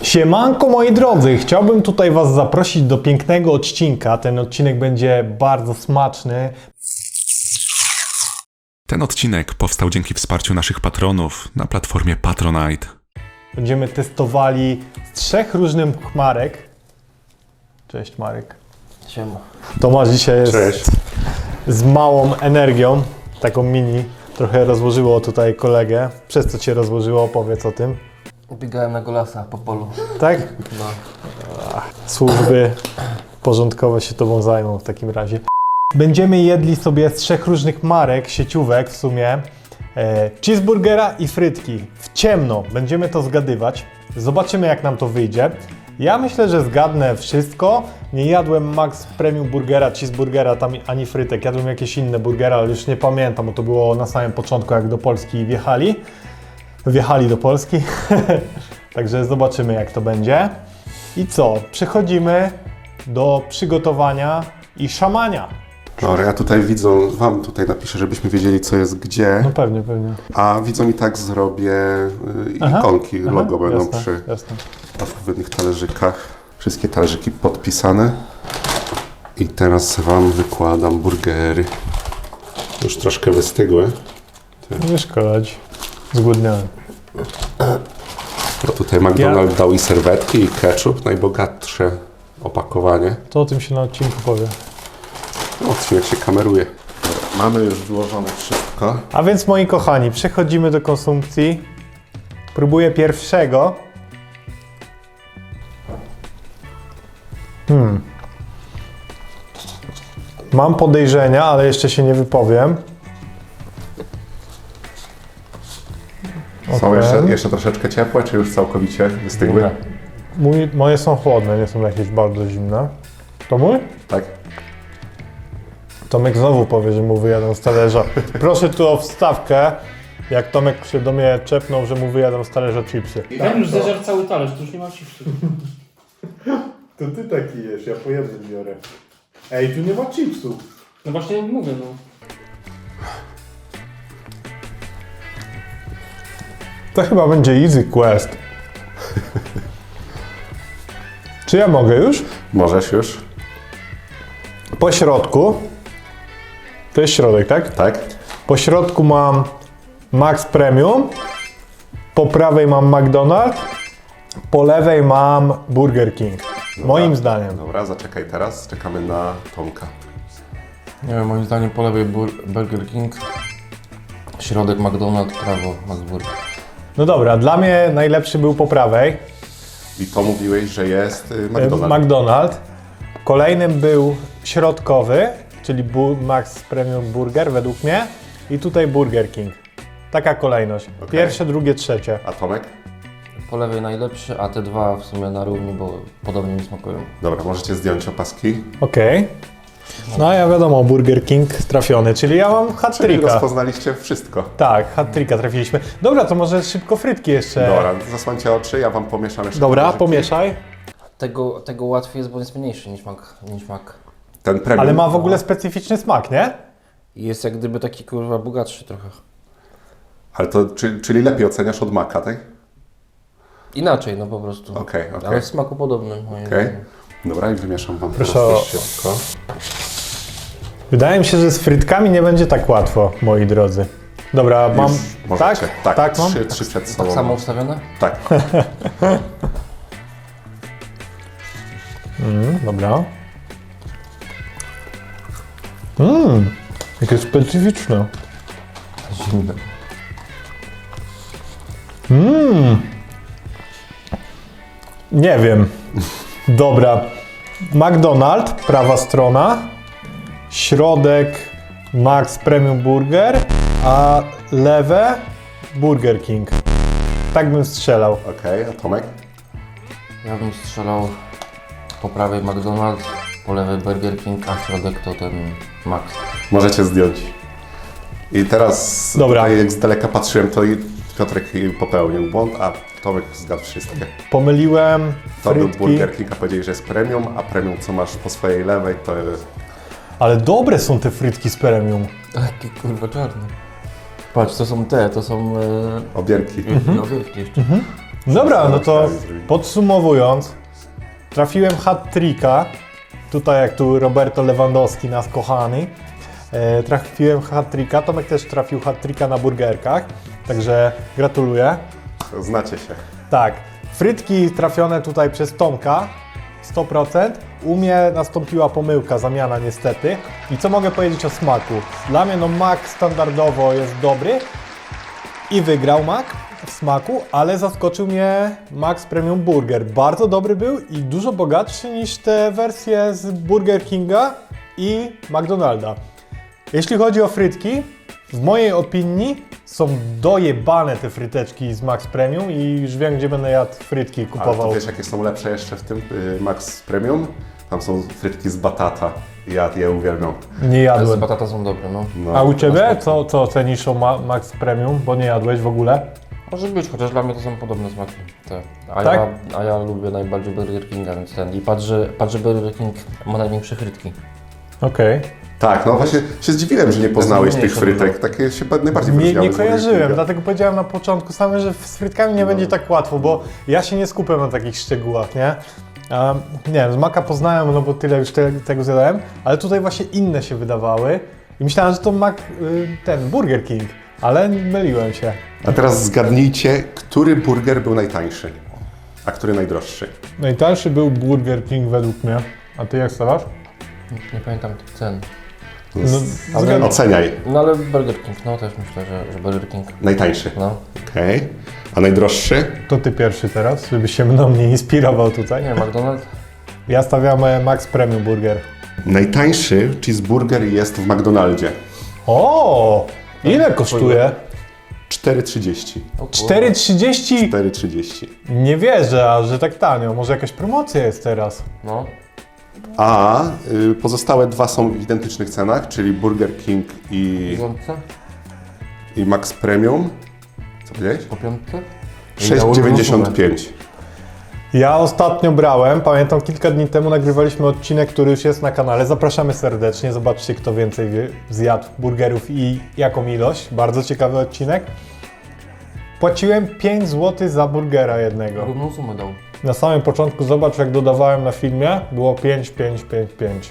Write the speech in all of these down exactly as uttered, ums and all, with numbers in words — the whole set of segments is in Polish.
Siemanko moi drodzy, chciałbym tutaj Was zaprosić do pięknego odcinka. Ten odcinek będzie bardzo smaczny. Ten odcinek powstał dzięki wsparciu naszych patronów na platformie Patronite. Będziemy testowali z trzech różnych marek. Cześć Marek. Siema. Tomasz dzisiaj jest Cześć. z małą energią, taką mini. Trochę rozłożyło tutaj kolegę. Przez co Cię rozłożyło? Opowiedz o tym. Biegałem na golasa po polu. Tak? No. Służby porządkowe się Tobą zajmą w takim razie. Będziemy jedli sobie z trzech różnych marek, sieciówek w sumie, e, cheeseburgera i frytki. W ciemno będziemy to zgadywać. Zobaczymy jak nam to wyjdzie. Ja myślę, że zgadnę wszystko. Nie jadłem Max Premium Burgera, cheeseburgera, tam ani frytek. Jadłem jakieś inne burgery, ale już nie pamiętam, bo to było na samym początku, jak do Polski wjechali. Wjechali do Polski. Także zobaczymy jak to będzie. I co? Przechodzimy do przygotowania i szamania. Dobra, ja tutaj widzą, wam tutaj napiszę, żebyśmy wiedzieli co jest gdzie, No pewnie, pewnie. a widzom i tak zrobię y, Aha, ikonki, aha, logo będą jasne, przy jasne. odpowiednich talerzykach. Wszystkie talerzyki podpisane. I teraz wam wykładam burgery. Już troszkę wystygły. Nie szkodzi. Zgłodniałem. No tutaj McDonald's dał i serwetki, i ketchup, najbogatsze opakowanie. To o tym się na odcinku powie. No, odcinek się kameruje. Dobra, mamy już wyłożone wszystko. A więc moi kochani, przechodzimy do konsumpcji. Próbuję pierwszego. Hmm. Mam podejrzenia, ale jeszcze się nie wypowiem. Są Okej. jeszcze, jeszcze troszeczkę ciepłe, czy już całkowicie wystygły? Nie. Mój, moje są chłodne, nie są jakieś bardzo zimne. To mój? Tak. Tomek znowu powie, że mu wyjadą z talerza. Proszę tu o wstawkę, jak Tomek się do mnie czepnął, że mu wyjadą z talerza chipsy. Ten już zeżarł cały talerz, to już nie ma chipsów. To ty taki jesz, ja po jednym biorę. Ej, tu nie ma chipsów. No właśnie mówię, no. To chyba będzie easy quest. Czy ja mogę już? Możesz już? Po środku. To jest środek, tak? Tak. Po środku mam Max Premium. Po prawej mam McDonald's. Po lewej mam Burger King. Moim zdaniem. Dobra, zaczekaj teraz, czekamy na Tomka. Nie wiem, moim zdaniem po lewej bur- Burger King, środek McDonald's, prawo McBurger. No dobra, dla mnie najlepszy był po prawej. I to mówiłeś, że jest y, e, McDonald's. McDonald's. Kolejnym był środkowy, czyli bu- Max Premium Burger według mnie. I tutaj Burger King. Taka kolejność. Okej. Pierwsze, drugie, trzecie. A Tomek? Po lewej najlepszy, a te dwa w sumie na równi, bo podobnie mi smakują. Dobra, możecie zdjąć opaski. Okej. No a ja wiadomo, Burger King trafiony, czyli ja mam Czyli hat-tricka. rozpoznaliście wszystko. Tak, hat-tricka trafiliśmy. Dobra, to może szybko frytki jeszcze. Dobra, zasłońcie oczy, ja wam pomieszam jeszcze. Dobra, talerzyki. pomieszaj. Tego, tego łatwiej jest, bo jest mniejszy niż Mac. Niż Mac. Ten premium. Ale ma w ogóle specyficzny smak, nie? I jest jak gdyby taki kurwa bogatszy trochę. Ale to, czy, czyli lepiej oceniasz od Maca, tak? Inaczej, no po prostu. Okej, okej. Ale w smaku podobnym. moim Okej. zdaniem. Dobra, i wymieszam wam Proszę teraz o- też szybko. Wydaje mi się, że z frytkami nie będzie tak łatwo, moi drodzy. Dobra, mam... Już Tak? możecie. Tak, Tak mam? trzy, trzy przed sobą. Tak samo ustawione? Tak. Mm, dobra. Mmm, jakie specyficzne. Zimne. Mmm. Nie wiem. Dobra. McDonald's, prawa strona. Środek Max Premium Burger, a lewe Burger King. Tak bym strzelał. Okej, a Tomek? Ja bym strzelał po prawej McDonald's, po lewej Burger King, a środek to ten Max. Możecie zdjąć. I teraz, Dobra. tutaj jak z daleka patrzyłem, to i Piotrek popełnił błąd, a Tomek zgadł wszystkie. Pomyliłem To był frytki, Burger King, a powiedzieli, że jest premium, a premium, co masz po swojej lewej, to jest... ale dobre są te frytki z premium. Taki kurwa czarny. Patrz, to są te, to są... E... Obierki. No wielkie jeszcze. Dobra, no to Zrobili. podsumowując, trafiłem hat-tricka, tutaj jak tu Roberto Lewandowski, nas kochany, e, trafiłem hat-tricka, Tomek też trafił hat-tricka na burgerkach, także gratuluję. Znacie się. Tak, frytki trafione tutaj przez Tomka, sto procent. U mnie nastąpiła pomyłka, zamiana niestety. I co mogę powiedzieć o smaku? Dla mnie no mak standardowo jest dobry i wygrał mak w smaku, ale zaskoczył mnie Max Premium Burger. Bardzo dobry był i dużo bogatszy niż te wersje z Burger Kinga i McDonalda. Jeśli chodzi o frytki, w mojej opinii są dojebane te fryteczki z Max Premium i już wiem, gdzie będę jadł frytki Ale kupował. to wiesz, jakie są lepsze jeszcze w tym y, Max Premium? Tam są frytki z batata. Ja je uwielbiam. Nie Ale z jadłem. batata są dobre, no. No. A u Ciebie? Co, co cenisz o Ma- Max Premium? Bo nie jadłeś w ogóle? Może być, chociaż dla mnie to są podobne smaki. Te. A, Tak? ja, a ja lubię najbardziej Burger Kinga, więc ten. I patrz, że, patrz, że Burger King ma największe frytki. Okej. Tak, no właśnie się zdziwiłem, że nie poznałeś tych mniejsze frytek. Takie się ba- najbardziej Nie, wyróżniały nie z Burger kojarzyłem, Kinga. dlatego powiedziałem na początku samym, że z frytkami nie będzie tak łatwo, bo ja się nie skupiam na takich szczegółach, nie? A, nie wiem, z maka poznałem, no bo tyle już te, tego zjadałem, ale tutaj właśnie inne się wydawały i myślałem, że to mak, y, ten Burger King, ale myliłem się. A teraz zgadnijcie, który burger był najtańszy, a który najdroższy. Najtańszy był Burger King według mnie, a ty jak stawiasz? Nie pamiętam tych cen. No, Ale- zgad- Oceniaj. No ale Burger King, no też myślę, że, że Burger King. Najtańszy. No. Okej. A najdroższy? To ty pierwszy teraz, żebyś się mną nie inspirował tutaj. Nie, McDonald's? Ja stawiam e, Max Premium Burger. Najtańszy cheeseburger jest w McDonaldzie. O! Ile kosztuje? cztery trzydzieści. O kurwa. cztery trzydzieści? cztery trzydzieści. Nie wierzę, a że tak tanio. Może jakaś promocja jest teraz. No. A y, pozostałe dwa są w identycznych cenach, czyli Burger King i, Piątce? i Max Premium. Co powiedziałeś? Po piątce? sześć dziewięćdziesiąt pięć. Ja ostatnio brałem, pamiętam kilka dni temu nagrywaliśmy odcinek, który już jest na kanale. Zapraszamy serdecznie, zobaczcie kto więcej wie, zjadł burgerów i jaką ilość. Bardzo ciekawy odcinek. Płaciłem pięć złotych za burgera jednego. Równą sumę dał. Na samym początku zobacz jak dodawałem na filmie, było pięć, pięć, pięć, pięć.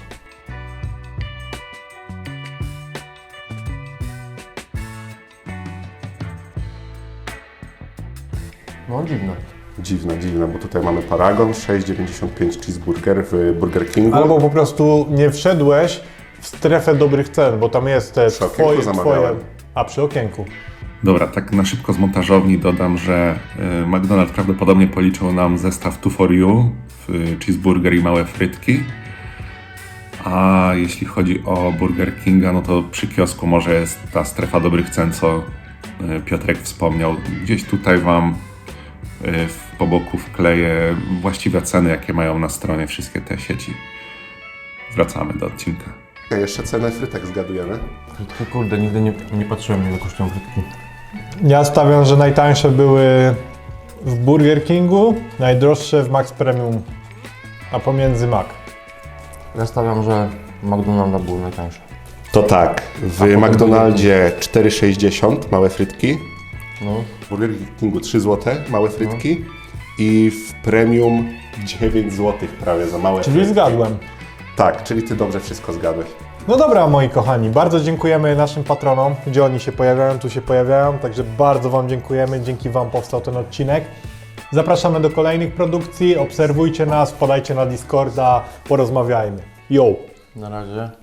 No dziwne. Dziwne, dziwne, bo tutaj mamy Paragon, sześć dziewięćdziesiąt pięć cheeseburger w Burger Kingu. Albo po prostu nie wszedłeś w strefę dobrych cen, bo tam jest te Przy okienku twoje, twoje... zamawiałem. A, przy okienku. Dobra, tak na szybko z montażowni dodam, że y, McDonald's prawdopodobnie policzył nam zestaw two for you, y, cheeseburger i małe frytki. A jeśli chodzi o Burger Kinga, no to przy kiosku może jest ta strefa dobrych cen, co y, Piotrek wspomniał. Gdzieś tutaj Wam y, w- po boku wkleję właściwe ceny, jakie mają na stronie wszystkie te sieci. Wracamy do odcinka. Okay, jeszcze cenę frytek zgadujemy. Frytki, kurde, nigdy nie, nie patrzyłem ile kosztują frytki. Ja stawiam, że najtańsze były w Burger Kingu, najdroższe w Max Premium, a pomiędzy Mac. Ja stawiam, że McDonald's był najtańszy. To tak, w potem McDonaldzie cztery sześćdziesiąt małe frytki, No. w Burger Kingu trzy złote małe frytki i w Premium dziewięć złotych prawie za małe Czyli frytki. zgadłem. Tak, czyli ty dobrze wszystko zgadłeś. No dobra, moi kochani, bardzo dziękujemy naszym patronom, gdzie oni się pojawiają, tu się pojawiają, także bardzo Wam dziękujemy, dzięki Wam powstał ten odcinek. Zapraszamy do kolejnych produkcji, obserwujcie nas, wpadajcie na Discorda, porozmawiajmy. Yo! Na razie.